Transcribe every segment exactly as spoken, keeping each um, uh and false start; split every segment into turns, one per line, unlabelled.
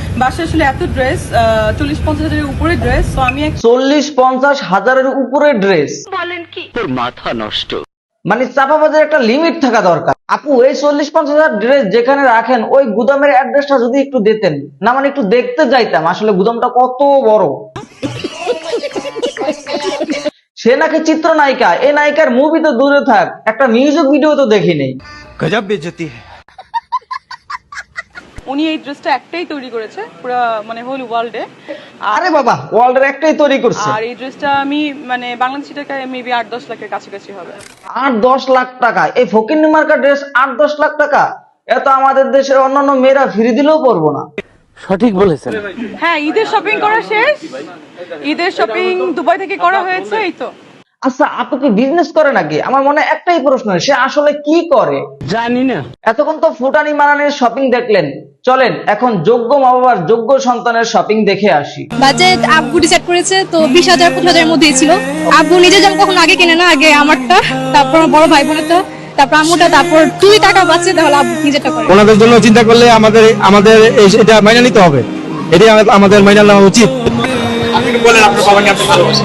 বাসায় আসলে এত ড্রেস চল্লিশ পঞ্চাশ হাজারের উপরে ড্রেস, তো আমি
চল্লিশ পঞ্চাশ হাজারের উপরে ড্রেস
বলেন কি? তোর মাথা নষ্ট।
মানে চাপাবাজের একটা লিমিট থাকা দরকার। আপু এই চল্লিশ পঞ্চাশ হাজার ড্রেস যেখানে রাখেন ওই গুদামের অ্যাড্রেসটা যদি একটু দিতেন না, মানে একটু দেখতে যাইতাম আসলে গুদামটা কত বড়। সে নাকি চিত্রনায়িকা, এই নায়িকার মুভি তো দূরে থাক, একটা মিউজিক ভিডিও তো দেখি নেই।
গজব বেজতি है।
উনি এই ড্রেসটা একটাই তৈরি করেছে পুরো মানে হোল ওয়ার্ল্ডে।
আরে বাবা, ওয়ার্ল্ডের একটাই তৈরি করছে।
আর এই ড্রেসটা আমি মানে বাংলাদেশি টাকায় মেবি আট দশ লাখের কাছাকাছি হবে।
আট দশ লাখ টাকা এই ফকিন্নি মার্কা ড্রেস, আট দশ লাখ টাকা? এত আমাদের দেশের অন্যান্য মেয়েরা ফিরে দিলেও পরবো না।
সঠিক বলেছেন।
হ্যাঁ, ঈদের শপিং করা শেষ, ঈদের শপিং দুবাই থেকে করা হয়েছে। এই তো।
আচ্ছা, আপু কি বিজনেস করে নাকি? আমার মনে একটাই প্রশ্ন, সে আসলে কি করে
জানি না।
এতক্ষণ তো ফুটানি মারানির শপিং দেখলেন, চলেন এখন যোগ্য মা বাবার যোগ্য সন্তানের শপিং দেখে আসি।
বাজেট আব্বু ডিসাইড করেছে, তো বিশ হাজার পঁচিশ হাজারের মধ্যেই ছিল। আব্বু নিজে যেমন কখনো আগে কিনে না, আগে আমারটা, তারপর আমার বড় ভাই বোনেরটা, তারপর আম্মুটা, তারপর দুই টাকা বাঁচে তাহলে আব্বু নিজেরটা করে।
ওনাদের জন্য চিন্তা করলে আমাদের আমাদের এটা মাইনা নিতে হবে, এটাই আমাদের মাইনা নেওয়া উচিত। আপনি বলেন আপনার বাবাকে আপনি ভালোবাসেন।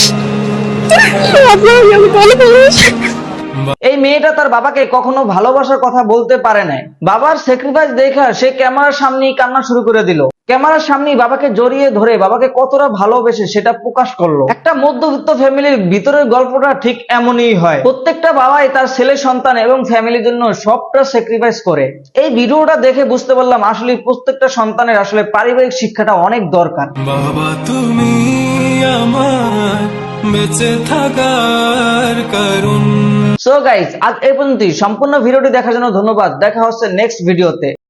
এই মেয়েটা তার বাবাকে কখনো ভালোবাসার কথা বলতে পারে না। বাবার স্যাক্রিফাইস দেখা সে ক্যামেরার সামনেই কান্না শুরু করে দিল। ক্যামেরার সামনেই বাবাকে জড়িয়ে ধরে বাবাকে কতটা ভালোবেসে সেটা প্রকাশ করলো। একটা মধ্যবিত্ত ফ্যামিলির ভিতরের গল্পটা ঠিক এমনই হয়। প্রত্যেকটা বাবাই তার ছেলে সন্তান এবং ফ্যামিলির জন্য সবটা স্যাক্রিফাইস করে। এই ভিডিওটা দেখে বুঝতে পারলাম আসলে প্রত্যেকটা সন্তানের আসলে পারিবারিক শিক্ষাটা অনেক দরকার।
বাবা তুমি আমার বেঁচে থাকার কারণ।
সো গাইস, আজ এই পর্যন্তই। সম্পূর্ণ ভিডিওটি দেখার জন্য ধন্যবাদ। দেখা হচ্ছে নেক্সট ভিডিওতে।